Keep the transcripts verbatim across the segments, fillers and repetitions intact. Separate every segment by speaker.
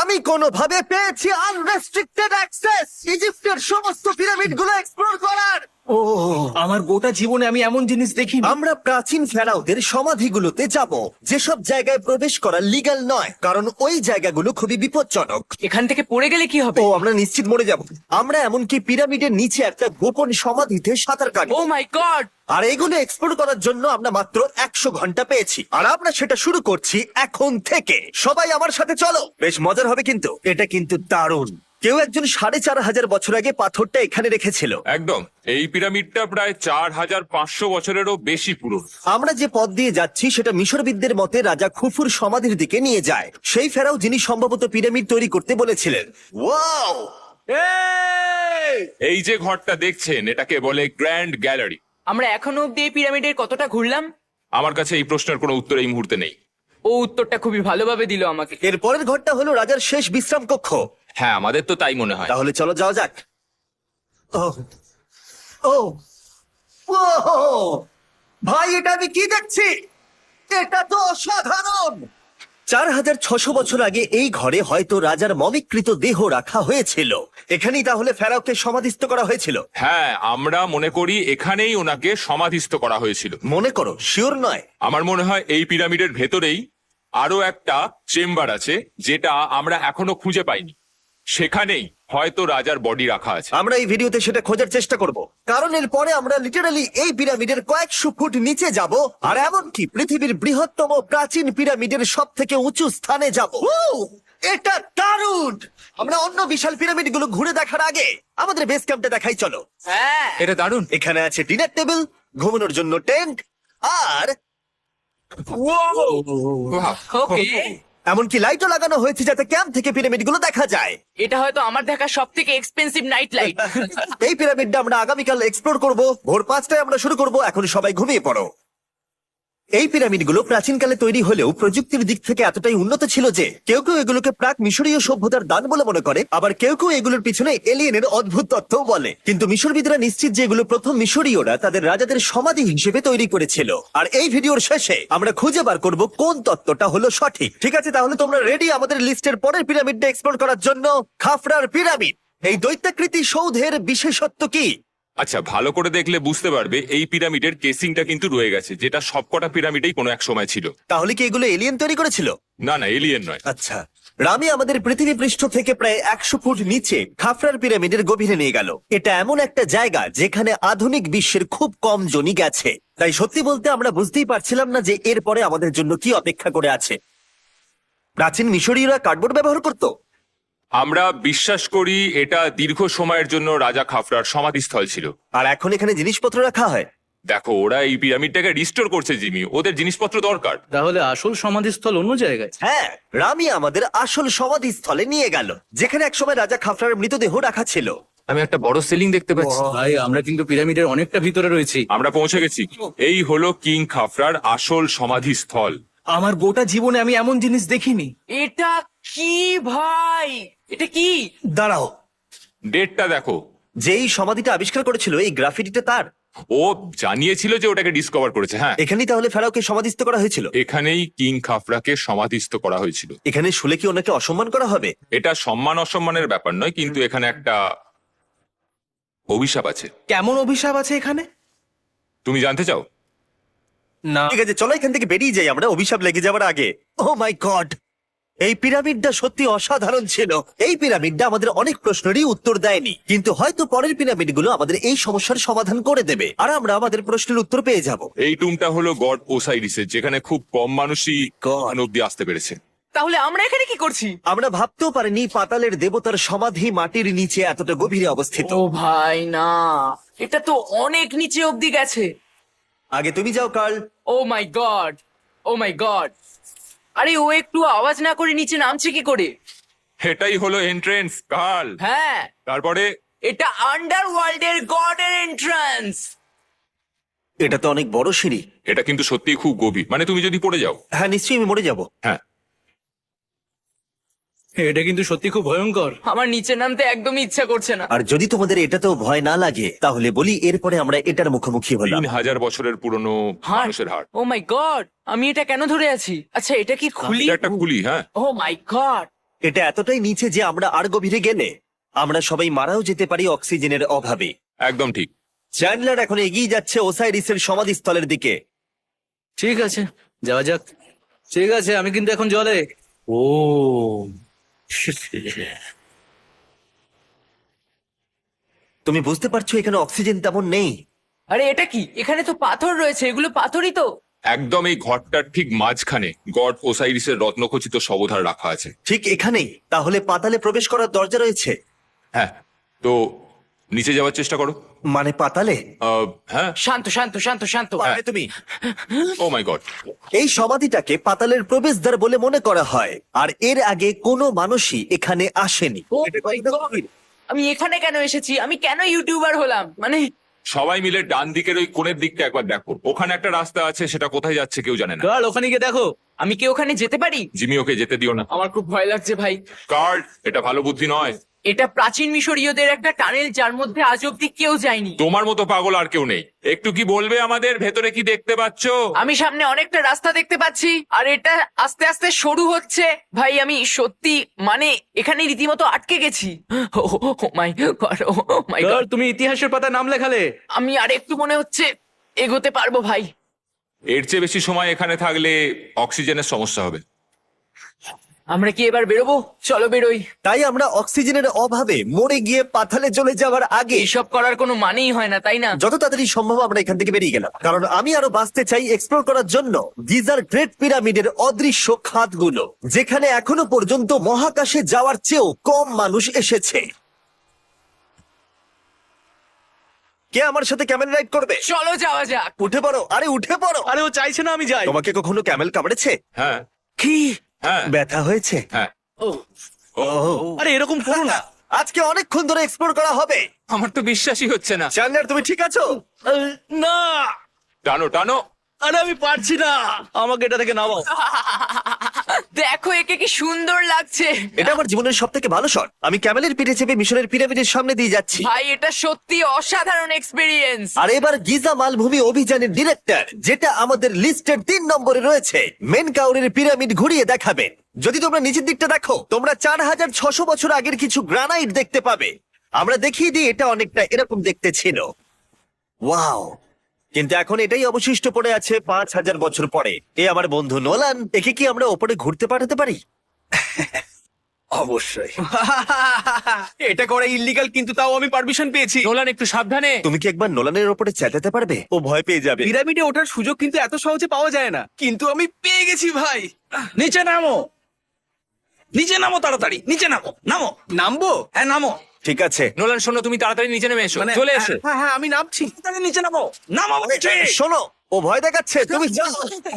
Speaker 1: আমি কোনোভাবে পেয়েছি আনরেস্ট্রিক্টেড অ্যাক্সেস ইজিপ্টের সমস্ত পিরামিড গুলো এক্সপ্লোর করার। ও
Speaker 2: আমার গোটা জীবনে আমি এমন জিনিস দেখিনি।
Speaker 1: আমরা প্রাচীন ফেরাওদের সমাধিগুলোতে যাব, যেসব জায়গায় প্রবেশ করা লিগ্যাল নয়, কারণ ওই জায়গাগুলো খুবই বিপজ্জনক।
Speaker 3: এখান থেকে পড়ে গেলে কি হবে?
Speaker 1: ও আমরা নিশ্চিত মরে যাব। আমরা এমনকি পিরামিডের নিচে একটা গোপন সমাধিতে সাঁতার কাটি।
Speaker 3: ও মাই গড!
Speaker 1: আর এগুলো এক্সপ্লোর করার জন্য আমরা মাত্র একশো ঘন্টা পেয়েছি, আর আমরা সেটা শুরু করছি এখন থেকে। সবাই আমার সাথে চলো, বেশ মজার হবে কিন্তু। এটা কিন্তু দারুণ। কেউ একজন সাড়ে চার হাজার বছর আগে পাথরটা এখানে রেখেছিল।
Speaker 4: একদম, এই পিরামিডটা প্রায় চার হাজার পাঁচশো বছরেরও বেশি পুরনো।
Speaker 1: আমরা যে পথ দিয়ে যাচ্ছি সেটা মিশরবিদদের মতে রাজা খুফুর সমাধির দিকে নিয়ে যায়, সেই ফেরাও যিনি সম্ভবত পিরামিড তৈরি করতে বলেছিলেন। ওয়াও!
Speaker 4: এই যে ঘরটা দেখছেন, এটাকে বলে গ্র্যান্ড গ্যালারি।
Speaker 3: আমরা এখনো অব্দি এই পিরামিডের কতটা ঘুরলাম?
Speaker 4: আমার কাছে এই প্রশ্নের কোনো উত্তর এই মুহূর্তে নেই।
Speaker 3: ও উত্তরটা খুবই ভালোভাবে দিল আমাকে।
Speaker 1: এর পরের ঘরটা হলো রাজার শেষ বিশ্রাম কক্ষ।
Speaker 4: হ্যাঁ, আমাদের তো তাই মনে হয়।
Speaker 1: তাহলে চলো যাওয়া যাক। ও ও ও ভাই, এটা আমি কি দেখছি? এটা তো অসাধারণ। চার হাজার ছশো বছর আগে এই ঘরে হয়তো রাজার মমিকৃত দেহ রাখা হয়েছিল। এখানেই তাহলে ফেরাওকে সমাধিস্থ করা হয়েছিল।
Speaker 4: হ্যাঁ, আমরা মনে করি এখানেই ওনাকে সমাধিস্থ করা হয়েছিল।
Speaker 1: মনে করো, শিওর নয়।
Speaker 4: আমার মনে হয় এই পিরামিডের ভেতরেই আরো একটা চেম্বার আছে, যেটা আমরা এখনো খুঁজে পাইনি। সেখানেই হয়তো রাজার বডি রাখা আছে।
Speaker 1: আমরা এই ভিডিওতে সেটা খোঁজার চেষ্টা করব, কারণ এর পরে আমরা লিটারালি এই পিরামিডের কয়েকশো ফুট নিচে যাব, আর এমনকি পৃথিবীর বৃহত্তম প্রাচীন পিরামিডের সব থেকে উঁচু স্থানে যাব। এটা দারুণ! আমরা অন্য বিশাল পিরামিড গুলো ঘুরে দেখার আগে আমাদের বেস ক্যাম্পটা দেখাই চলো।
Speaker 3: হ্যাঁ,
Speaker 4: এটা দারুণ।
Speaker 1: এখানে আছে ডিনার টেবিল, ঘুমানোর জন্য টেন্ট, আর
Speaker 3: ওকে।
Speaker 1: এমনকি লাইটও লাগানো হয়েছে যাতে ক্যাম্প থেকে পিরামিড গুলো দেখা যায়।
Speaker 3: এটা হয়তো আমার দেখা সব থেকে এক্সপেন্সিভ নাইট লাইট।
Speaker 1: এই পিরামিডটা আমরা আগামীকাল এক্সপ্লোর করব। ভোর পাঁচটায় আমরা শুরু করব। এখন সবাই ঘুমিয়ে পড়ো। এই পিরামিডগুলো প্রাচীনকালে তৈরি হলেও প্রযুক্তির দিক থেকে এতটাই উন্নত ছিল যে কেউ কেউ এগুলোকে প্রাক মিশরীয় সভ্যতার দান বলে মনে করে, আবার কেউ কেউ এগুলোর পিছনে এলিয়েনের অদ্ভুত তথ্যও বলে। কিন্তু মিশরবিদরা নিশ্চিত যে এগুলো প্রথম মিশরীয়রা তাদের রাজাদের সমাধি হিসেবে তৈরি করেছিল। আর এই ভিডিওর শেষে আমরা খুঁজে বার করব কোন তত্ত্বটা হলো সঠিক। ঠিক আছে, তাহলে তোমরা রেডি আমাদের লিস্টের পরের পিরামিডটা এক্সপ্লোর করার জন্য? খাফরার পিরামিড। এই দৈত্যাকৃতি সৌধের বিশেষত্ব কি?
Speaker 4: আচ্ছা, ভালো করে দেখলে বুঝতে পারবে এই পিরামিডের কেসিংটা কিন্তু রয়ে গেছে, যেটা সবকটা পিরামিডেই কোনো এক সময় ছিল।
Speaker 1: তাহলে কি এগুলো এলিয়েন তৈরি করেছিল?
Speaker 4: না না, এলিয়েন নয়।
Speaker 1: আচ্ছা, রামি আমাদের পৃথিবী পৃষ্ঠ থেকে প্রায় একশো ফুট নিচে খাফরার পিরামিডের গভীরে নিয়ে গেল। এটা এমন একটা জায়গা যেখানে আধুনিক বিশ্বের খুব কম জনই গেছে, তাই সত্যি বলতে আমরা বুঝতেই পারছিলাম না যে এরপরে আমাদের জন্য কি অপেক্ষা করে আছে। প্রাচীন মিশরীয়রা কার্ডবোর্ড ব্যবহার করত।
Speaker 4: আমরা বিশ্বাস করি এটা দীর্ঘ সময়ের জন্য রাজা খাফরার সমাধিস্থল ছিল।
Speaker 1: আর এখন এখানে জিনিসপত্র রাখা হয়।
Speaker 4: দেখো, ওরা এই পিরামিডটাকে রিস্টোর করছে জিমি, ওদের জিনিসপত্র দরকার।
Speaker 2: তাহলে আসল সমাধিস্থল অন্য জায়গায়?
Speaker 1: হ্যাঁ, রামি আমাদের আসল সমাধিস্থলে নিয়ে গেল, যেখানে একসময় রাজা খাফরার মৃতদেহ রাখা ছিল।
Speaker 4: আমি একটা বড় সিলিং দেখতে পাচ্ছি।
Speaker 2: ভাই, আমরা কিন্তু পিরামিডের অনেকটা ভিতরে রয়েছি।
Speaker 4: আমরা পৌঁছে গেছি। এই হলো কিং খাফরার আসল সমাধিস্থল।
Speaker 2: আমার গোটা জীবনে আমি এমন জিনিস দেখিনি।
Speaker 3: এটা কি ভাই? এটা কি?
Speaker 1: দাঁড়াও,
Speaker 4: ডেটটা দেখো।
Speaker 1: যেই সমাধিটা আবিষ্কার করেছিল এই গ্রাফিটিটা তার।
Speaker 4: ও জানিয়েছিল যে ওটাকে ডিসকভার করেছে। হ্যাঁ,
Speaker 1: এখানেই তাহলে ফেরাওকে সমাধিস্থ করা হয়েছিল।
Speaker 4: এখানেই কিং খাফরাকে সমাধিস্থ করা হয়েছিল।
Speaker 1: এখানে শুলে কি ওনাকে অসম্মান করা হবে?
Speaker 4: এটা সম্মান অসম্মানের ব্যাপার নয়, কিন্তু এখানে একটা অভিশাপ আছে।
Speaker 2: কেমন অভিশাপ আছে এখানে?
Speaker 4: তুমি জানতে চাও?
Speaker 2: না।
Speaker 1: ঠিক আছে, চলো এখান থেকে বেরিয়ে যাই আমরা অভিশাপ লেগে যাওয়ার আগে। ও মাই গড, এই পিরামিডটা সত্যি অসাধারণ ছিল। এই পিরামিডটা আমাদের অনেক প্রশ্নেরই উত্তর দেয়নি, কিন্তু হয়তো পরের পিরামিডগুলো আমাদের এই সমস্যার সমাধান করে দেবে, আর আমরা আমাদের প্রশ্নের উত্তর পেয়ে যাব।
Speaker 4: এই টুমটা হলো গড ওসাইরিসের, যেখানে খুব কম মানুষই গড অব্দি আসতে পেরেছে।
Speaker 3: তাহলে আমরা এখানে কি করছি?
Speaker 1: আমরা ভাবতেও পারিনি পাতালের দেবতার সমাধি মাটির নিচে এতটা গভীরে অবস্থিত।
Speaker 3: ও ভাই না, এটা তো অনেক নিচে অব্দি গেছে।
Speaker 1: আগে তুমি যাও Carl.
Speaker 3: Oh my god, oh my god. আরে ও একটু আওয়াজ না করে নিচে নামছে কি করে?
Speaker 4: এটাই হলো এন্ট্রেন্স, কাল।
Speaker 3: হ্যাঁ,
Speaker 4: তারপরে
Speaker 3: এটা আন্ডারওয়ার্ল্ডের গডের এন্ট্রান্স।
Speaker 1: এটা তো অনেক বড় সিঁড়ি।
Speaker 4: এটা কিন্তু সত্যিই খুব গভীর, মানে তুমি যদি পড়ে যাও।
Speaker 1: হ্যাঁ, নিশ্চয়ই আমি মরে যাব।
Speaker 4: হ্যাঁ,
Speaker 2: এটা কিন্তু সত্যি খুব ভয়ঙ্কর।
Speaker 3: আমার নিচে নামতে একদমই ইচ্ছা করছে না।
Speaker 1: আর যদি তোমাদের এটাতেও ভয় না লাগে তাহলে বলি, এরপরে আমরা এটার মুখোমুখি হলাম।
Speaker 4: তিন হাজার বছরের পুরনো
Speaker 3: হার্ট,
Speaker 4: মানুষের হাড়।
Speaker 3: ও মাই গড, আমি এটা কেন ধরে আছি? আচ্ছা, এটা কি খুলি?
Speaker 4: এটা একটা খুলি। হ্যাঁ,
Speaker 3: ও মাই গড,
Speaker 1: এটা এতটাই নিচে যে আমরা আর গভীরে গেলে আমরা সবাই মারাও যেতে পারি অক্সিজেনের অভাবে।
Speaker 4: একদম ঠিক।
Speaker 1: চ্যান্ডলার এখন এগিয়ে যাচ্ছে ওসাইরিসের সমাধিস্থলের দিকে।
Speaker 2: ঠিক আছে, যাওয়া যাক। ঠিক আছে, আমি কিন্তু এখন জলে। ও
Speaker 1: তুমি বুঝতে পারছো এখানে অক্সিজেন তেমন নেই।
Speaker 3: আরে এটা কি? এখানে তো পাথর রয়েছে, এগুলো পাথরই তো।
Speaker 4: একদম এই ঘরটার ঠিক মাঝখানে গড ওসাইরিসের রত্নখচিত শবধার রাখা আছে।
Speaker 1: ঠিক এখানেই তাহলে পাতালে প্রবেশ করার দরজা রয়েছে?
Speaker 4: হ্যাঁ, তো নিচে যাওয়ার চেষ্টা করো।
Speaker 1: মানে পাতালে?
Speaker 4: আহ, হ্যাঁ।
Speaker 3: শান্ত শান্ত শান্ত শান্ত।
Speaker 1: পারবে তুমি?
Speaker 4: Oh my god.
Speaker 1: এই সমাধিটাকে পাতালের প্রবেশদ্বার বলে মনে করা হয়, আর এর আগে কোনো মানুষই এখানে আসেনি।
Speaker 3: Oh my God! আমি এখানে কেন এসেছি? আমি কেন ইউটিউবার হলাম? মানে
Speaker 4: সবাই মিলে ডান দিকের ওই কোণের দিকটা একবার দেখো, ওখানে একটা রাস্তা আছে, সেটা কোথায় যাচ্ছে কেউ জানে না।
Speaker 2: গার্ল, ওখানে গিয়ে দেখো।
Speaker 3: আমি কি ওখানে যেতে পারি?
Speaker 4: জিমি, ওকে যেতে দিও না।
Speaker 3: আমার খুব ভয় লাগছে ভাই।
Speaker 4: কার্ড, এটা ভালো বুদ্ধি নয়।
Speaker 3: এটা প্রাচীন মিশরীয়দের একটা টানেল যার মধ্যে আজ অব্দি কেউ যায়নি।
Speaker 4: তোমার মতো পাগল আর কেউ নেই। একটু কি বলবে আমাদের ভেতরে কি দেখতে পাচ্ছ?
Speaker 3: আমি সামনে অনেকটা রাস্তা দেখতে পাচ্ছি, আর এটা আস্তে আস্তে সরু হচ্ছে। ভাই আমি সত্যি মানে এখানে রীতিমতো আটকে গেছি। Oh my god, oh my
Speaker 2: girl,
Speaker 3: god.
Speaker 2: তুমি ইতিহাসের পাতায় নাম লেখালে।
Speaker 3: আমি আর একটু মনে হচ্ছে এগোতে পারবো ভাই।
Speaker 4: এর চেয়ে বেশি সময় এখানে থাকলে অক্সিজেনের সমস্যা হবে।
Speaker 3: আমরা কি এবার বেরোবো? চলো বেরোই।
Speaker 1: তাই আমরা অক্সিজেনের অভাবে মরে গিয়ে পাতালে চলে যাওয়ার আগে
Speaker 3: এইসব করার কোনো মানেই হয় না, তাই না?
Speaker 1: যত তাড়াতাড়ি সম্ভব আমরা এখান থেকে বেরিয়ে গেলাম, কারণ আমি আরো বাঁচতে চাই এক্সপ্লোর করার জন্য গিজার গ্রেট পিরামিডের অদৃশ্য খাতগুলো, যেখানে এখনো পর্যন্ত মহাকাশে যাওয়ার চেয়েও কম মানুষ এসেছে। কে আমার সাথে ক্যামেল রাইড করবে?
Speaker 3: চলো যাওয়া যাক।
Speaker 1: উঠে পড়ো, আরে উঠে পড়ো।
Speaker 2: আরে ও চাইছে না আমি যাই।
Speaker 1: তোমাকে কখনো ক্যামেল কামড়েছে?
Speaker 4: হ্যাঁ
Speaker 1: কি
Speaker 4: হ্যাঁ
Speaker 1: ব্যথা হয়েছে?
Speaker 4: হ্যাঁ।
Speaker 2: ও,
Speaker 4: ও,
Speaker 2: আরে এরকম করো না।
Speaker 1: আজকে অনেকক্ষণ ধরে এক্সপ্লোর করা হবে।
Speaker 4: আমার তো বিশ্বাসই হচ্ছে না।
Speaker 1: চ্যান্ডলার, তুমি ঠিক আছো?
Speaker 2: আহ, না,
Speaker 4: টানো টানো।
Speaker 2: আরে আমি পারছি না, আমাকে এটা থেকে নামাও।
Speaker 3: দেখো একে কি সুন্দর লাগছে।
Speaker 1: এটা আমার জীবনের সব থেকে ভালো শট। আমি ক্যামেলের পিঠে চেপে মিশরের পিরামিডের সামনে দিয়ে যাচ্ছি।
Speaker 3: ভাই এটা সত্যি অসাধারণ এক্সপিরিয়েন্স।
Speaker 1: আর এবার গিজা মালভূমি অভিযানের ডিরেক্টর, যেটা আমাদের লিস্টের তিন নম্বরে রয়েছে, মেন কাউরের পিরামিড ঘুরিয়ে দেখাবেন। যদি তোমরা নিচের দিকটা দেখো, তোমরা চার হাজার ছশো বছর আগের কিছু গ্রানাইট দেখতে পাবে। আমরা দেখিয়ে দিই, এটা অনেকটা এরকম দেখতে ছিল। ওয়াও! কিন্তু এখন এটাই অবশিষ্ট পড়ে আছে পাঁচ হাজার বছর পরে। এ আমার বন্ধু নোলান, একে কি আমরা ওপরে ঘুরতে পাঠাতে পারি?
Speaker 2: অবশ্যই। এটা করা ইল্লিগাল, কিন্তু তাও আমি পারমিশন পেয়েছি।
Speaker 3: নোলান একটু সাবধানে।
Speaker 1: তুমি কি একবার নোলানের ওপরে চেঁচাতে পারবে? ও ভয় পেয়ে যাবে।
Speaker 2: পিরামিডে ওঠার সুযোগ কিন্তু এত সহজে পাওয়া যায় না, কিন্তু আমি পেয়ে গেছি ভাই। নিচে নামো, নিচে নামো, তাড়াতাড়ি নিচে নামো। নামো। নামবো? হ্যাঁ নামো।
Speaker 1: ঠিক আছে।
Speaker 3: নোলান শোনো, তুমি তাড়াতাড়ি নিচে নেমে এসো। চলে এসো।
Speaker 2: হ্যাঁ হ্যাঁ, আমি নামছি। তাহলে নিচে নামো। নামো নিচে।
Speaker 1: শোনো, ও ভয় দেখাচ্ছে, তুমি যাও।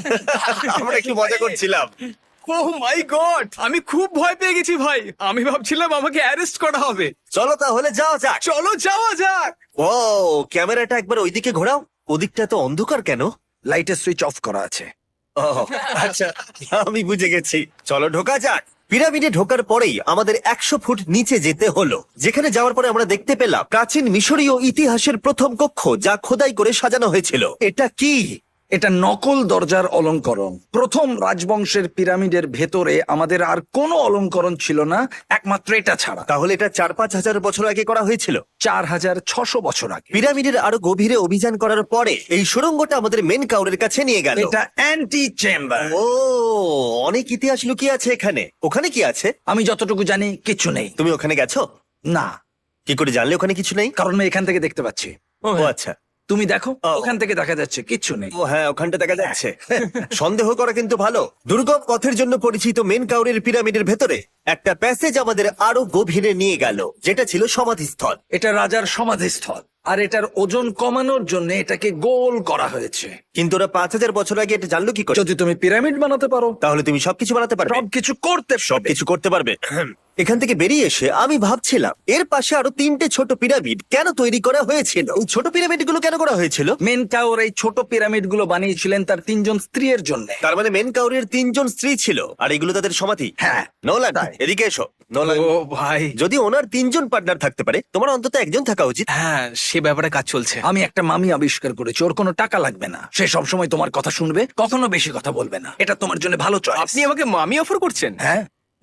Speaker 1: আমরা একটু মজা করছিলাম।
Speaker 2: ও মাই গড, আমি খুব ভয় পেয়ে গেছি ভাই। আমি ভাবছিলাম আমাকে অ্যারেস্ট করা হবে।
Speaker 1: চলো তাহলে যাও যাক।
Speaker 2: চলো যাওয়া যাক।
Speaker 1: ও, ক্যামেরাটা একবার ওইদিকে ঘোরাও। ওদিকটা তো অন্ধকার কেন?
Speaker 2: লাইটের সুইচ অফ করা আছে।
Speaker 1: ও আচ্ছা, আমি বুঝে গেছি। চলো ঢোকা যাক। পিরামিডে ঢোকার পরেই আমাদের একশো ফুট নিচে যেতে হলো, যেখানে যাওয়ার পরে আমরা দেখতে পেলাম প্রাচীন মিশরীয় ইতিহাসের প্রথম কক্ষ, যা খোদাই করে সাজানো হয়েছিল। এটা কি?
Speaker 5: এটা নকল দরজার অলঙ্করণ। প্রথম রাজবংশের পিরামিডের ভেতরে আমাদের আর কোনো অলঙ্করণ ছিল না, একমাত্র এটা ছাড়া।
Speaker 1: তাহলে এটা চার পাঁচ হাজার বছর আগে করা হয়েছিল।
Speaker 5: চার হাজার ছশো বছর আগে।
Speaker 1: পিরামিডের আরো গভীরে অভিযান করার পরে এই সুড়ঙ্গটা আমাদের মেন কাউরের কাছে নিয়ে গেল।
Speaker 5: এটা অ্যান্টি চেম্বার।
Speaker 1: ও, অনেক ইতিহাস লুকিয়ে আছে এখানে। ওখানে কি আছে?
Speaker 5: আমি যতটুকু জানি কিছু নেই।
Speaker 1: তুমি ওখানে গেছো?
Speaker 5: না,
Speaker 1: কি করে জানলে ওখানে কিছু নেই?
Speaker 5: কারণ আমি এখান থেকে দেখতে পাচ্ছি।
Speaker 1: ও আচ্ছা।
Speaker 5: তুমি দেখো,
Speaker 1: ও।
Speaker 5: ওখান থেকে দেখা যাচ্ছে কিচ্ছু নেই।
Speaker 1: ও হ্যাঁ, ওখানটা দেখা যাচ্ছে। সন্দেহ করা কিন্তু ভালো। দুর্গম পথের জন্য পরিচিত মেন কাউরের পিরামিডের ভেতরে একটা প্যাসেজ আমাদের আরো গভীরে নিয়ে গেল, যেটা ছিল সমাধিস্থল।
Speaker 5: এটা রাজার সমাধিস্থল, আর এটার ওজন কমানোর জন্য এটাকে গোল করা হয়েছে।
Speaker 1: কিন্তু ওরা পাঁচ হাজার বছর আগে এটা জানলো কি করে?
Speaker 5: যদি তুমি পিরামিড বানাতে পারো,
Speaker 1: তাহলে তুমি সবকিছু বানাতে পারবে,
Speaker 5: সবকিছু করতে পারবে।
Speaker 1: সবকিছু করতে পারবে। এখান থেকে বেরিয়ে এসে আমি ভাবছিলাম, এর পাশে আরো তিনটে ছোট পিরামিড কেন তৈরি করা হয়েছিল? এই ছোট পিরামিড গুলো কেন করা হয়েছিল?
Speaker 5: মেনকাওর এই ছোট পিরামিড গুলো বানিয়েছিলেন তার তিনজন স্ত্রীর জন্য।
Speaker 1: তার মানে মেন কাউরের তিনজন স্ত্রী ছিল, আর এগুলো তাদের সমাধি।
Speaker 5: হ্যাঁ,
Speaker 1: নোলান, এদিকে এসো। নোলান,
Speaker 2: ও ভাই,
Speaker 1: যদি ওনার তিনজন পার্টনার থাকতে পারে, তোমার অন্তত একজন থাকা উচিত।
Speaker 2: হ্যাঁ সে ব্যাপারে কাজ চলছে।
Speaker 5: আমি একটা মামি আবিষ্কার করেছি, ওর কোনো টাকা লাগবে না। সে সবসময় তোমার কথা শুনবে, কখনো বেশি কথা বলবে না। এটা তোমার জন্য ভালো চয়েস।
Speaker 2: আপনি আমাকে মামি অফার করছেন?
Speaker 5: হ্যাঁ,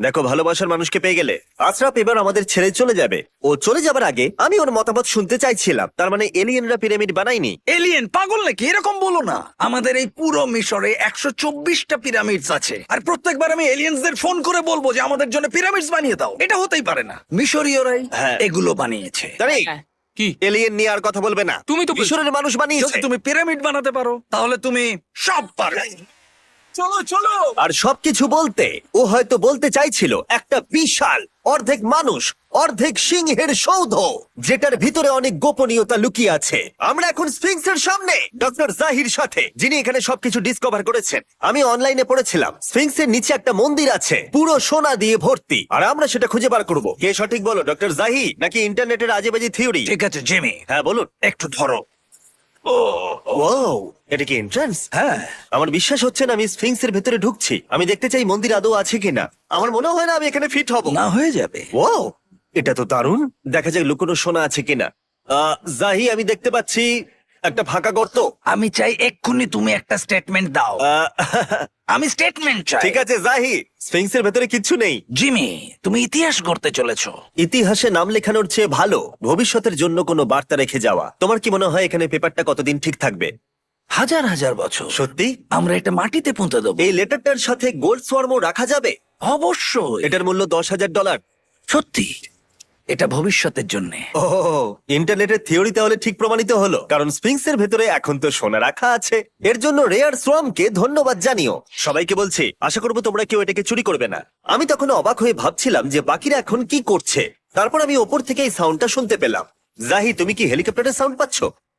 Speaker 1: দেখো, ভালোবাসার মানুষকে পেয়ে গেলে আশরাফ এবার আমাদের ছেড়ে চলে যাবে। ও চলে যাবার আগে আমি ওর মতামত শুনতে চাইছিলাম। তার মানে এলিয়েনরা পিরামিড বানায়নি?
Speaker 5: এলিয়েন পাগল নাকি? এরকম বলো না। আমাদের এই পুরো মিশরে একশো চব্বিশটা পিরামিডস আছে, আর প্রত্যেকবার আমি এলিয়েন্সদের ফোন করে বলবো যে আমাদের জন্য পিরামিডস বানিয়ে দাও। এটা হতেই পারে না। মিশরীয়রাই
Speaker 1: হ্যাঁ।
Speaker 5: এগুলো বানিয়েছে।
Speaker 1: তাই
Speaker 3: হ্যাঁ।
Speaker 4: কি
Speaker 1: এলিয়েন নিয়ে আর কথা বলবে না।
Speaker 4: তুমি তো বলছো।
Speaker 1: মিশরের মানুষ বানিয়েছে।
Speaker 5: যদি তুমি পিরামিড বানাতে পারো তাহলে তুমি সব পারবে।
Speaker 2: চলো চলো।
Speaker 1: আর সবকিছু বলতে ও হয়তো বলতে চাইছিল একটা বিশাল অর্ধেক মানুষ অর্ধেক সিংহের সৌধ, যেটার ভিতরে অনেক গোপনীয়তা লুকিয়ে আছে। আমরা এখন স্ফিংসের সামনে ডক্টর জাহির সাথে, যিনি এখানে সবকিছু ডিসকভার করেছেন। আমি অনলাইনে পড়েছিলাম স্ফিংসের নিচে একটা মন্দির আছে পুরো সোনা দিয়ে ভর্তি, আর আমরা সেটা খুঁজে বার করব। কে সঠিক বলো, ডক্টর জাহি নাকি ইন্টারনেটের আজেবাজি থিওরি?
Speaker 5: ঠিক আছে জেমি,
Speaker 1: হ্যাঁ বলুন।
Speaker 5: একটু ধরো।
Speaker 1: ও, এটা কি এন্ট্রান্স?
Speaker 5: হ্যাঁ,
Speaker 1: আমার বিশ্বাস হচ্ছে না আমি স্ফিংসের ভেতরে ঢুকছি। আমি দেখতে চাই মন্দির আদৌ আছে কিনা। আমার মনে হয় না আমি এখানে ফিট হব।
Speaker 5: না হয়ে যাবে।
Speaker 1: ও, এটা তো দারুণ। দেখা যাক লুকোনো সোনা আছে কিনা। আহ, জাহি, আমি দেখতে পাচ্ছি একটা ফাঁকা গর্ত।
Speaker 5: আমি চাই এক্ষুনি তুমি একটা স্টেটমেন্ট দাও।
Speaker 1: আহ,
Speaker 5: আমি স্টেটমেন্ট চাই।
Speaker 1: ঠিক আছে জাহি, স্ফিংসের ভেতরে কিচ্ছু নেই।
Speaker 5: জিমি, তুমি ইতিহাস গড়তে চলেছো।
Speaker 1: ইতিহাসে নাম লেখানোর চেয়ে ভালো ভবিষ্যতের জন্য কোনো বার্তা রেখে যাওয়া। তোমার কি মনে হয় এখানে পেপারটা কতদিন ঠিক থাকবে?
Speaker 5: হাজার হাজার বছর।
Speaker 1: সত্যি?
Speaker 5: আমরা এটা মাটিতে পুঁতে দেবো।
Speaker 1: এই লেটারটার সাথে গোল্ড সোয়ার্মও রাখা যাবে?
Speaker 5: অবশ্যই।
Speaker 1: এটার মূল্য দশ হাজার ডলার।
Speaker 5: সত্যি, এটা ভবিষ্যতের জন্য।
Speaker 1: ও, ইন্টারনেটের থিওরি তাহলে ঠিক প্রমাণিত হলো, কারণ স্ফিংসের ভেতরে এখন তো সোনা রাখা আছে। এর জন্য রেয়ার সোয়ামকে ধন্যবাদ জানিও। সবাইকে বলছি, আশা করবো তোমরা কেউ এটাকে চুরি করবে না। আমি তখন অবাক হয়ে ভাবছিলাম যে বাকিরা এখন কি করছে। তারপর আমি ওপর থেকে এই সাউন্ডটা শুনতে পেলাম। জাহি, তুমি কি হেলিকপ্টারের সাউন্ড পাচ্ছ?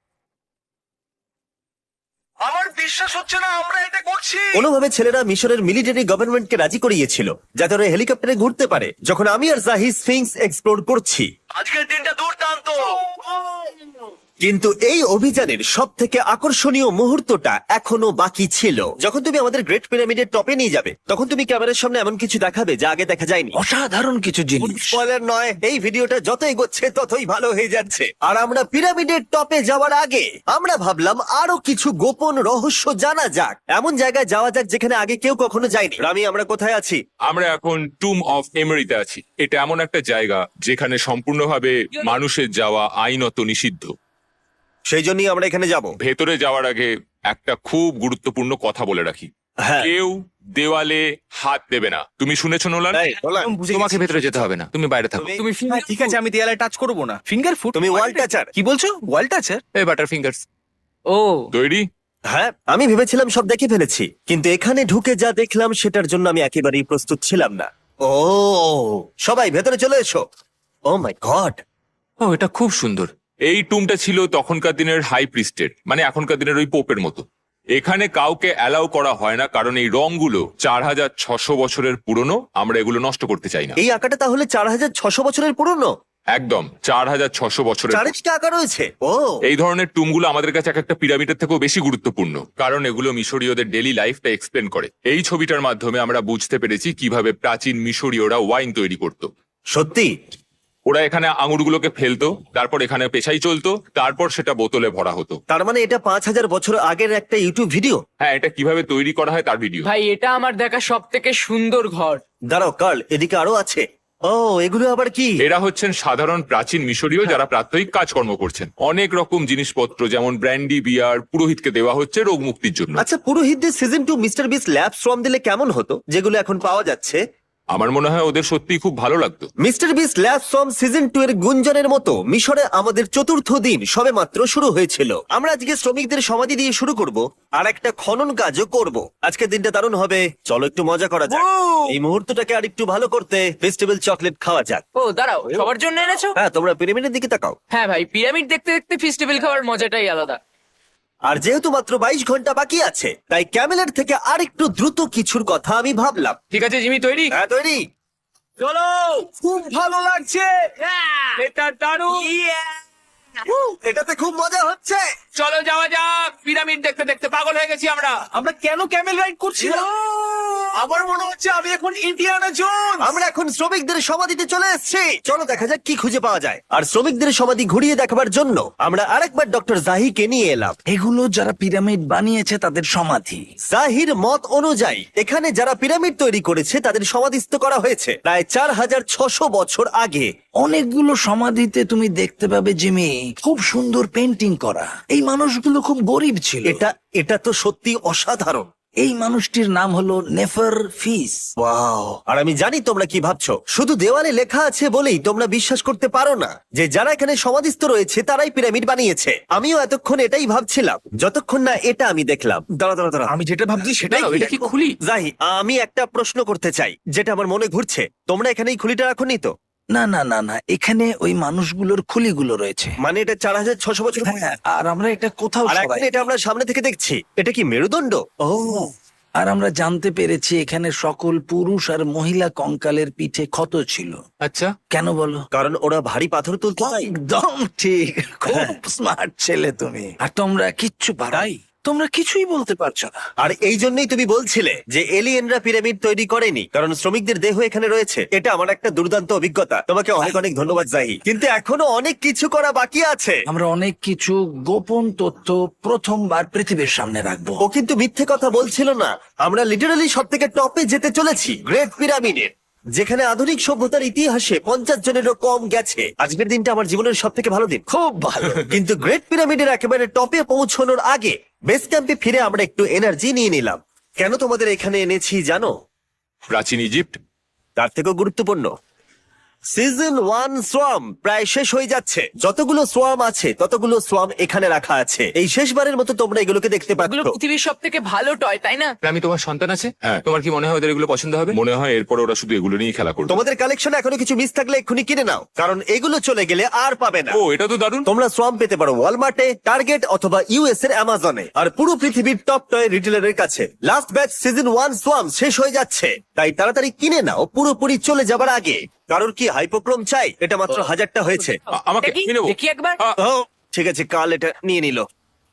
Speaker 5: আমার বিশ্বাস হচ্ছে না আমরা এটা করছি।
Speaker 1: কোনোভাবে ছেলেরা মিশরের মিলিটারি গভর্নমেন্টকে রাজি করিয়েছিল যাতে ওরা হেলিকপ্টারে ঘুরতে পারে, যখন আমি আর জাহি স্ফিংস এক্সপ্লোর করছি।
Speaker 5: আজকের দিনটা দুর্দান্ত।
Speaker 1: কিন্তু এই অভিযানের সব থেকে আকর্ষণীয় মুহূর্তটা এখনো বাকি ছিল। যখন তুমি আমাদের গ্রেট পিরামিডের টপে নিয়ে যাবে, তখন তুমি ক্যামেরার সামনে এমন কিছু দেখাবে যা আগে দেখা যায়নি।
Speaker 5: অসাধারণ কিছু জিনিস।
Speaker 1: স্পয়লার নয়, এই ভিডিওটা যত এগোচ্ছে ততই ভালো হয়ে যাচ্ছে। আর আমরা পিরামিডের টপে যাওয়ার আগে আমরা ভাবলাম আরো কিছু গোপন রহস্য জানা যাক। এমন জায়গায় যাওয়া যাক যেখানে আগে কেউ কখনো যায়নি। রামি, আমরা কোথায় আছি?
Speaker 4: আমরা এখন টুম অফ এমেরিতে আছি। এটা এমন একটা জায়গা যেখানে সম্পূর্ণভাবে মানুষের যাওয়া আইনত নিষিদ্ধ।
Speaker 1: সেই জন্যই আমরা এখানে যাব।
Speaker 4: ভেতরে যাওয়ার আগে একটা খুব গুরুত্বপূর্ণ কথা বলে রাখি,
Speaker 1: হ্যাঁ,
Speaker 4: কেউ দেওয়ালে হাত দেবে না। তুমি শুনেছো নোলান?
Speaker 1: এই, নোলান,
Speaker 6: তোমাকে ভেতরে যেতে হবে না, তুমি বাইরে থাকো।
Speaker 1: তুমি-
Speaker 2: তুমি ফিঙ্গার ঠিক আছে, আমি দেয়ালে টাচ করব না। Finger food?
Speaker 1: তুমি ওয়াল টাচার।
Speaker 2: কি বলছো? ওয়াল টাচার?
Speaker 6: এই বাটার ফিঙ্গার্স।
Speaker 3: ও,
Speaker 4: তৈরি?
Speaker 1: হ্যাঁ, আমি ভেবেছিলাম সব দেখে ফেলেছি, কিন্তু এখানে ঢুকে যা দেখলাম সেটার জন্য আমি একেবারেই প্রস্তুত ছিলাম না। ও, সবাই ভেতরে চলে এসো। ও মাই গড,
Speaker 6: ও, এটা খুব সুন্দর।
Speaker 4: এই টুমটা ছিল তখনকার দিনের হাই প্রিস্টের, মানে এখনকার দিনের ওই পোপের মতো। এখানে কাউকে অ্যালাউ করা হয় না, কারণ এই রংগুলো চার হাজার ছশো বছরের পুরনো। আমরা এগুলো নষ্ট করতে চাই না।
Speaker 1: এই আঁকাটা তাহলে চার হাজার ছশো বছরের পুরনো?
Speaker 4: একদম চার হাজার ছশো বছরের।
Speaker 1: চারিদিকে আঁকা রয়েছে। ও,
Speaker 4: এই ধরনের টুমগুলো আমাদের কাছে এক একটা পিরামিডের থেকেও বেশি গুরুত্বপূর্ণ, কারণ এগুলো মিশরীয়দের ডেইলি লাইফটা এক্সপ্লেন করে। এই ছবিটার মাধ্যমে আমরা বুঝতে পেরেছি কিভাবে প্রাচীন মিশরীয়রা ওয়াইন তৈরি করত।
Speaker 1: সত্যি?
Speaker 4: ওরা এখানে আঙুরগুলোকে ফেলতো, তারপর এখানে পেশাই চলতো, তারপর সেটা বোতলে ভরা হতো।
Speaker 1: তার মানে এটা পাঁচ হাজার বছর আগের একটা ইউটিউব ভিডিও?
Speaker 4: হ্যাঁ, এটা কিভাবে তৈরি করা হয় তার ভিডিও।
Speaker 3: ভাই এটা আমার দেখা সব থেকে সুন্দর ঘর।
Speaker 1: দাঁড়াও কার্ল, এদিকে আরো আছে। ও, এগুলো আবার কি?
Speaker 4: এরা হচ্ছেন সাধারণ প্রাচীন মিশরীয় যারা প্রাত্যহিক কাজকর্ম করছেন। অনেক রকম জিনিসপত্র যেমন ব্র্যান্ডি, বিয়ার পুরোহিতকে দেওয়া হচ্ছে রোগ মুক্তির জন্য।
Speaker 1: আচ্ছা, পুরোহিতদের সিজন টু মিস্টার বিস ল্যাব শ্রম দিলে কেমন হতো, যেগুলো এখন পাওয়া যাচ্ছে?
Speaker 4: আমার মনে হয় ওদের সত্যিই খুব ভালো লাগতো।
Speaker 1: মিস্টার বিস ল্যাব শ্রম সিজন টু এর গুঞ্জনের মতো মিশরে আমাদের চতুর্থ দিন সবে মাত্র শুরু হয়েছিল। আমরা আজকে শ্রমিকদের সমাধি দিয়ে শুরু করব, আর একটা খনন কাজও করব। আজকের দিনটা দারুণ হবে, চলো একটু মজা করা যাক। এই মুহূর্তটাকে আর একটু ভালো করতে ফেস্টিভ্যাল চকলেট খাওয়া যাক।
Speaker 3: ও দাঁড়াও, সবার জন্য এনেছো?
Speaker 1: হ্যাঁ, তোমরা পিরামিডের দিকে তাকাও।
Speaker 3: হ্যাঁ ভাই, পিরামিড দেখতে দেখতে ফেস্টিভ্যাল খাওয়ার মজাটাই আলাদা।
Speaker 1: আর যেহেতু মাত্র বাইশ ঘন্টা বাকি আছে, তাই ক্যামেলের থেকে আর একটু দ্রুত কিছুর কথা আমি ভাবলাম।
Speaker 6: ঠিক আছে জিমি, তৈরি?
Speaker 1: হ্যাঁ, তৈরি।
Speaker 2: চলো, খুব ভালো লাগছে। এটা দারুণ।
Speaker 1: এটাতে খুব মজা হচ্ছে।
Speaker 6: চলো যাওয়া যাক। পিরামিড দেখতে দেখতে পাগল হয়ে গেছি আমরা।
Speaker 2: আমরা কেন ক্যামেল রাইড করছিলাম? আমার মনে হচ্ছে আমি এখন ইন্ডিয়ানা জোন।
Speaker 1: আমরা এখন শ্রমিকদের সমাধিতে চলে এসেছি। চলো দেখা যাক কি খুঁজে পাওয়া যায়। আর শ্রমিকদের সমাধি ঘুরিয়ে দেখাবার জন্য আমরা আরেকবার ডক্টর জাহিকে নিয়ে এলাম।
Speaker 5: এগুলো যারা পিরামিড বানিয়েছে তাদের সমাধি।
Speaker 1: জাহির মত অনুযায়ী এখানে যারা পিরামিড তৈরি করেছে তাদের সমাধিস্থ করা হয়েছে প্রায় চার হাজার ছশো বছর আগে।
Speaker 5: অনেকগুলো সমাধিতে তুমি দেখতে পাবে জিমি খুব সুন্দর পেন্টিং করা। এই মানুষগুলো খুব গরিব ছিল।
Speaker 1: এটা এটা তো সত্যি অসাধারণ।
Speaker 5: এই মানুষটির নাম হলো নেফার ফিস।
Speaker 1: ওয়াও! আর আমি জানি তোমরা কি ভাবছো। শুধু দেওয়ালে লেখা আছে বলেই তোমরা বিশ্বাস করতে পারো না যে যারা এখানে সমাধিস্থ রয়েছে তারাই পিরামিড বানিয়েছে। আমিও এতক্ষণ এটাই ভাবছিলাম যতক্ষণ না এটা আমি দেখলাম। দাঁড়া দাঁড়া দাঁড়া,
Speaker 2: আমি যেটা ভাবছি সেটাই
Speaker 6: দাঁড়াও, এটা কি খুলি?
Speaker 1: জাহি, আমি একটা প্রশ্ন করতে চাই যেটা আমার মনে ঘুরছে। তোমরা এখানে এই খুলিটা রাখোনি তো?
Speaker 5: না না না না, এখানে ওই মানুষগুলোর খুলিগুলো রয়েছে।
Speaker 1: মানে এটা চার হাজার ছশো বছর পুরনো।
Speaker 5: হ্যাঁ, আর আমরা এটা কোথাও
Speaker 1: আর
Speaker 5: সবাই-
Speaker 1: এখন এটা আমরা সামনে থেকে দেখছি। এটা কি মেরুদণ্ড? ও,
Speaker 5: আর আমরা জানতে পেরেছি এখানে সকল পুরুষ আর মহিলা কঙ্কালের পিঠে ক্ষত ছিল।
Speaker 6: আচ্ছা,
Speaker 5: কেন বলো?
Speaker 1: কারণ ওরা ভারী পাথর তুলতো তাই।
Speaker 5: একদম ঠিক, খুব স্মার্ট ছেলে তুমি। আর তোমরা কিচ্ছু পারাই, তোমরা কিছুই বলতে পারছো না।
Speaker 1: আর এই জন্যই তুমি বলছিলে যে এলিয়েনরা পিরামিড তৈরি করেনি কারণ শ্রমিকদের দেহ এখানে রয়েছে। এটা আমার একটা দুর্দান্ত অভিজ্ঞতা। তোমাকে অনেক অনেক ধন্যবাদ জাহি। কিন্তু এখনো অনেক কিছু করা বাকি আছে।
Speaker 5: আমরা অনেক কিছু গোপন তথ্য প্রথমবার পৃথিবীর সামনে রাখবো।
Speaker 1: ও কিন্তু মিথ্যে কথা বলছিল না। আমরা লিটারালি সব থেকে টপে যেতে চলেছি, গ্রেট পিরামিডের, যেখানে আধুনিক সভ্যতার ইতিহাসে পঞ্চাশ জনেরও কম গেছে। আজকের দিনটা আমার জীবনের সব থেকে ভালো দিন।
Speaker 5: খুব ভালো।
Speaker 1: কিন্তু গ্রেট পিরামিডের একেবারে টপে পৌঁছানোর আগে বেস ক্যাম্পে ফিরে আমরা একটু এনার্জি নিয়ে নিলাম। কেন তোমাদের এখানে এনেছি জানো?
Speaker 4: প্রাচীন ইজিপ্ট।
Speaker 1: তার থেকেও গুরুত্বপূর্ণ, সিজন ওয়ান সোয়াম প্রায় শেষ হয়ে যাচ্ছে। যতগুলো সোয়াম আছে ততগুলো সোয়াম এখানে রাখা আছে। এই শেষবারের মতো তোমরা এগুলোকে দেখতে পাচ্ছ।
Speaker 3: এগুলো পৃথিবীর সব থেকে ভালো টয়, তাই না?
Speaker 6: আমি তোমার সন্তান আছে,
Speaker 4: হ্যাঁ।
Speaker 6: তোমার কি মনে হয় ওদের এগুলো পছন্দ হবে?
Speaker 4: মনে হয় এরপর ওরা শুধু এগুলো নিয়ে খেলা করবে।
Speaker 1: তোমাদের কালেকশনে এখনো কিছু মিস থাকলে এক্ষুনি কিনে নাও, কারণ এগুলো চলে গেলে আর পাবে না।
Speaker 4: ও, এটা তো দারুণ।
Speaker 1: তোমরা সোয়াম পেতে পারো ওয়ালমার্টে, টার্গেট অথবা ইউএস এর অ্যামাজনে, আর পুরো পৃথিবীর টপ টয় রিটেলারের কাছে। লাস্ট ব্যাচ সিজন ওয়ান সোয়াম শেষ হয়ে যাচ্ছে, তাই তাড়াতাড়ি কিনে নাও পুরোপুরি চলে যাবার আগে। কারণ কি হাইপোক্রোম চাই? এটা মাত্র হাজারটা হয়েছে।
Speaker 4: আ- আমাকে
Speaker 3: দেখি
Speaker 4: আমি নেবো।
Speaker 3: দেখি একবার।
Speaker 4: আ,
Speaker 1: ও ঠিক আছে, কাল এটা নিয়ে নিল।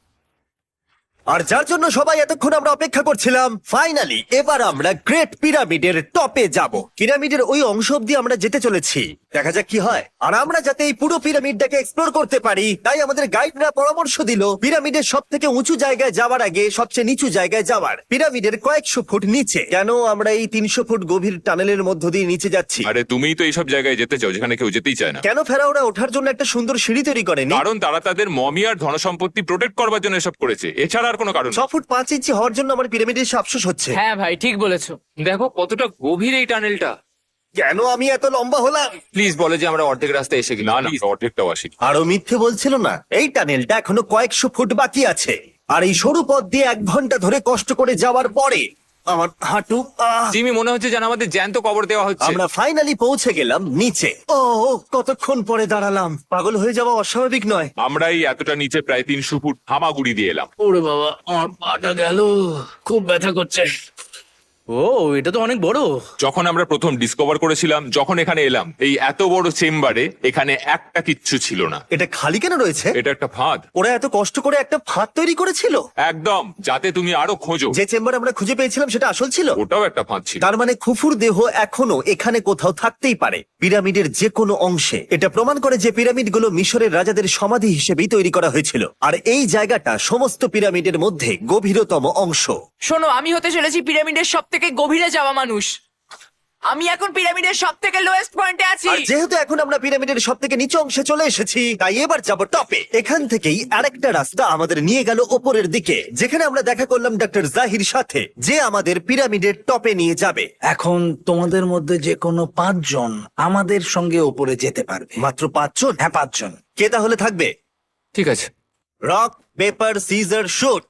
Speaker 1: আর যার জন্য সবাই এতক্ষণ আমরা অপেক্ষা করছিলাম, ফাইনালি এবার আমরা গ্রেট পিরামিডের টপে যাব। পিরামিডের ওই অংশ অব্দি আমরা যেতে চলেছি, দেখা যাক কি হয়। আর আমরা যাতে এই পুরো পিরামিডটাকে এক্সপ্লোর করতে পারি, তাই আমাদের গাইডরা পরামর্শ দিল পিরামিডের সব থেকে উঁচু জায়গায় যাওয়ার আগে সবচেয়ে নিচু জায়গায় যাওয়ার, পিরামিডের কয়েকশো ফুট নিচে। কেন আমরা এই তিনশো ফুট গভীর টানেলের মধ্য দিয়ে নিচে যাচ্ছি?
Speaker 4: আরে তুমিই তো এইসব জায়গায় যেতে চাও যেখানে কেউ যেতেই চায় না।
Speaker 1: কেন ফেরাওরা ওঠার জন্য একটা সুন্দর সিঁড়ি তৈরি করেনি?
Speaker 4: কারণ তারা তাদের মমি আর ধনসম্পত্তি প্রোটেক্ট করবার জন্য এসব করেছে, এছাড়া আর কোনো কারণ
Speaker 1: ছ
Speaker 4: না।
Speaker 1: ফুট পাঁচ ইঞ্চি হওয়ার জন্য আমার পিরামিডের এসে আফসোস হচ্ছে।
Speaker 3: হ্যাঁ ভাই, ঠিক বলেছো।
Speaker 6: দেখো কতটা গভীর এই টানেলটা।
Speaker 1: কেন আমি এত লম্বা হলাম?
Speaker 6: প্লিজ বলে যে আমরা অর্ধেক রাস্তায় এসে গেছি।
Speaker 4: না না, অর্ধেকটাও আসি।
Speaker 1: আরো মিথ্যে বলছিল না। এই টানেলটা এখনো কয়েকশো ফুট বাকি আছে, আর এই সরু পথ দিয়ে এক ঘন্টা ধরে কষ্ট করে যাওয়ার পরে আমার হাঁটু আহ!
Speaker 6: জিমি, মনে হচ্ছে যেন আমাদের জ্যান্ত কবর দেওয়া হচ্ছে।
Speaker 1: আমরা ফাইনালি পৌঁছে গেলাম নিচে। ও কতক্ষণ পরে দাঁড়ালাম, পাগল হয়ে যাওয়া অস্বাভাবিক নয়।
Speaker 4: আমরা এই এতটা নিচে প্রায় তিনশো ফুট হামাগুড়ি দিয়ে এলাম।
Speaker 2: ওরে বাবা, আমার পাটা গেল, খুব ব্যথা করছে। ও, এটা তো অনেক বড়।
Speaker 4: যখন আমরা প্রথম ডিসকভার করেছিলাম, যখন এখানে এলাম, এই এত বড় চেম্বারে এখানে একটা কিচ্ছু ছিল না।
Speaker 1: এটা খালি কেন রয়েছে?
Speaker 4: এটা একটা ফাঁদ।
Speaker 1: ওরা এত কষ্ট করে একটা ফাঁদ তৈরি করেছিল
Speaker 4: একদম, যাতে তুমি আরো খোঁজো।
Speaker 1: যে চেম্বার আমরা খুঁজে পেয়েছিলাম সেটা আসল ছিল।
Speaker 4: ওটাও একটা ফাঁদ ছিল।
Speaker 1: তার মানে খুফুর দেহ এখনো এখানে কোথাও থাকতেই পারে, পিরামিডের যে কোনো অংশে। এটা প্রমাণ করে যে পিরামিডগুলো মিশরের রাজাদের সমাধি হিসেবেই তৈরি করা হয়েছিল, আর এই জায়গাটা সমস্ত পিরামিডের মধ্যে গভীরতম অংশ।
Speaker 3: শোনো, আমি হতে চলেছি পিরামিডের সব থেকে গভীরে যাওয়া মানুষ। আমি এখন পিরামিডের সব থেকে লোয়েস্ট পয়েন্টে আছি।
Speaker 1: আর যেহেতু এখন আমরা পিরামিডের সব থেকে নিচু অংশে চলে এসেছি, তাই এবার যাব টপে। এখান থেকেই আরেকটা রাস্তা আমাদের নিয়ে গেল ওপরের দিকে, যেখানে আমরা দেখা করলাম ডক্টর জাহির সাথে, যে আমাদের পিরামিডের টপে নিয়ে যাবে।
Speaker 5: এখন তোমাদের মধ্যে যে কোনো পাঁচজন আমাদের সঙ্গে ওপরে যেতে পারবে।
Speaker 1: মাত্র পাঁচজন?
Speaker 5: হ্যাঁ, পাঁচজন।
Speaker 1: কে তাহলে থাকবে?
Speaker 6: ঠিক আছে।
Speaker 1: Rock paper scissor shoot.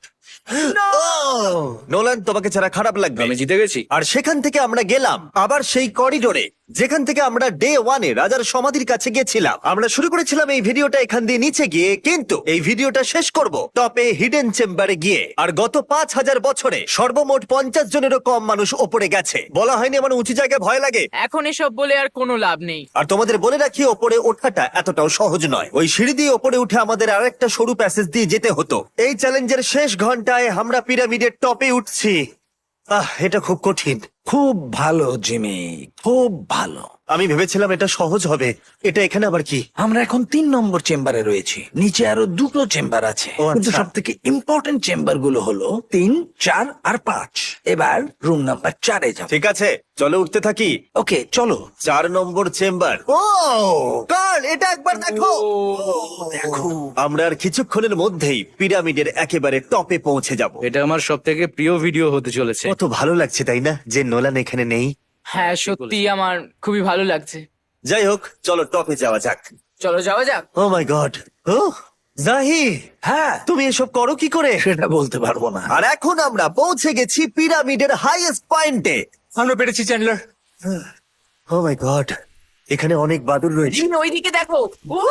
Speaker 1: Nolan, তোমাকে ছাড়া খারাপ লাগবে।
Speaker 2: আমি জিতে গেছি।
Speaker 1: আর সেখান থেকে আমরা গেলাম আবার সেই করিডোরে যেখান থেকে আমরা ডে ওয়ানে রাজার সমাধির কাছে গেছিলাম। আমরা শুরু করেছিলাম এই ভিডিওটা এখান দিয়ে নিচে গিয়ে, কিন্তু এই ভিডিওটা শেষ করব টপে হিডেন চেম্বারে গিয়ে। আর গত পাঁচ হাজার বছরে সর্বমোট পঞ্চাশ জনেরও কম মানুষ ওপরে গেছে। বলা হয়নি আমার উঁচু জায়গায় ভয় লাগে?
Speaker 3: এখন এসব বলে আর কোনো লাভ নেই।
Speaker 1: আর তোমাদের বলে রাখি, ওপরে ওঠাটা এতটাও সহজ নয়। ওই সিঁড়ি দিয়ে ওপরে উঠে আমাদের আরেকটা সরু প্যাসেজ দিয়ে যেতে হতো। এই চ্যালেঞ্জের শেষ ঘন্টায় আমরা পিরামিডের টপে উঠছি। আহ এটা খুব কঠিন,
Speaker 5: খুব ভালো জিমি, খুব ভালো।
Speaker 1: আমি ভেবেছিলাম এটা সহজ হবে। এটা এখানে আবার কি?
Speaker 5: আমরা এখন তিন নম্বর চেম্বারে রয়েছি, নিচে আরো দুটো চেম্বার আছে,
Speaker 1: ও,
Speaker 5: কিন্তু
Speaker 1: আচ্ছা।
Speaker 5: সব থেকে ইম্পর্টেন্ট চেম্বার গুলো হলো তিন, চার আর পাঁচ। এবার রুম নাম্বার চারে যাব।
Speaker 1: ঠিক আছে, চলো উঠতে থাকি।
Speaker 5: ওকে চলো।
Speaker 1: চার নম্বর চেম্বার। ও কার্ল, এটা একবার দেখো।
Speaker 5: দেখো
Speaker 1: আমরা আর কিছুক্ষণের মধ্যেই পিরামিডের একেবারে টপে পৌঁছে যাব।
Speaker 2: এটা আমার সব থেকে প্রিয় ভিডিও হতে চলেছে।
Speaker 1: কত ভালো লাগছে তাই না, যে নোলান এখানে নেই।
Speaker 3: হ্যাঁ সত্যি আমার খুবই ভালো লাগছে।
Speaker 1: যাই হোক, চলো টপে যাওয়া যাক।
Speaker 3: চলো যাওয়া যাক।
Speaker 1: ও মাই গড, ও জাহি,
Speaker 5: হ্যাঁ,
Speaker 1: তুমি এসব করো কি করে?
Speaker 5: সেটা বলতে পারবো না।
Speaker 1: আর এখন আমরা পৌঁছে গেছি পিরামিডের হাইয়েস্ট পয়েন্টে।
Speaker 6: আমরা পেরেছি চ্যান্ডলার।
Speaker 1: ও মাই গড, এখানে অনেক বাদুর রয়েছে।
Speaker 3: জিমি ওইদিকে দেখো।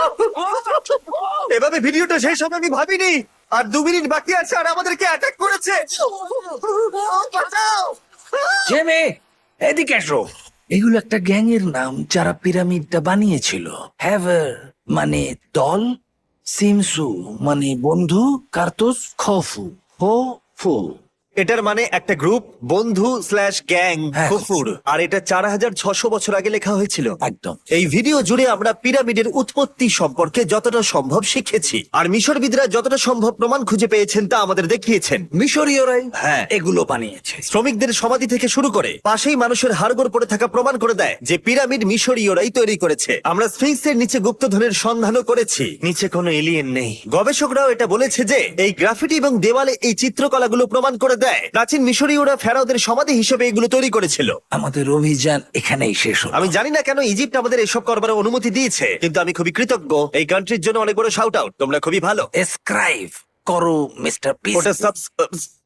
Speaker 1: এভাবে ভিডিওটা শেষ হবে আমি ভাবিনি। আর দু মিনিট বাকি আছে আর আমাদেরকে অ্যাটাক করেছে। বাঁচাও!
Speaker 5: জেমে, এদিকে এসো। এগুলো একটা গ্যাং এর নাম যারা পিরামিডটা বানিয়েছিল। হ্যাভার মানে দল, সিমসু মানে বন্ধু, কার্তুস খফু হো ফু।
Speaker 1: এটার মানে একটা গ্রুপ, বন্ধু স্ল্যাশ গ্যাং,
Speaker 5: হ্যাঁ।
Speaker 1: কুকুর। আর এটা চার হাজার ছশো বছর আগে লেখা হয়েছিল।
Speaker 5: একদম।
Speaker 1: এই ভিডিও জুড়ে আমরা পিরামিডের উৎপত্তি সম্পর্কে যতটা সম্ভব শিখেছি, আর মিশরবিদরা যতটা সম্ভব প্রমাণ খুঁজে পেয়েছেন তা আমাদের দেখিয়েছেন।
Speaker 5: মিশরীয়রাই
Speaker 1: হ্যাঁ।
Speaker 5: এগুলো বানিয়েছে।
Speaker 1: শ্রমিকদের সমাধি থেকে শুরু করে পাশেই মানুষের হাড়গোড় পড়ে থাকা প্রমাণ করে দেয় যে পিরামিড মিশরীয়রাই তৈরি করেছে। আমরা স্ফিংসের নিচে গুপ্তধনের সন্ধানও করেছি, নিচে কোনো এলিয়েন নেই। গবেষকরাও এটা বলেছে যে এই গ্রাফিটি এবং দেওয়ালে এই চিত্রকলাগুলো প্রমাণ করে দেয় প্রাচীন মিশরীয়রা ফেরাওদের সমাধি হিসেবে এগুলো তৈরি করেছিল।
Speaker 5: আমাদের অভিযান এখানেই শেষ হলো।
Speaker 1: আমি জানি না কেন ইজিপ্ট আমাদের এসব করবার অনুমতি দিয়েছে, কিন্তু আমি খুবই কৃতজ্ঞ। এই কান্ট্রির জন্য অনেক বড় শাউট আউট, তোমরা খুবই ভালো।
Speaker 5: এসক্রাইব করো মিস্টার পিস।
Speaker 1: ওটা সাবস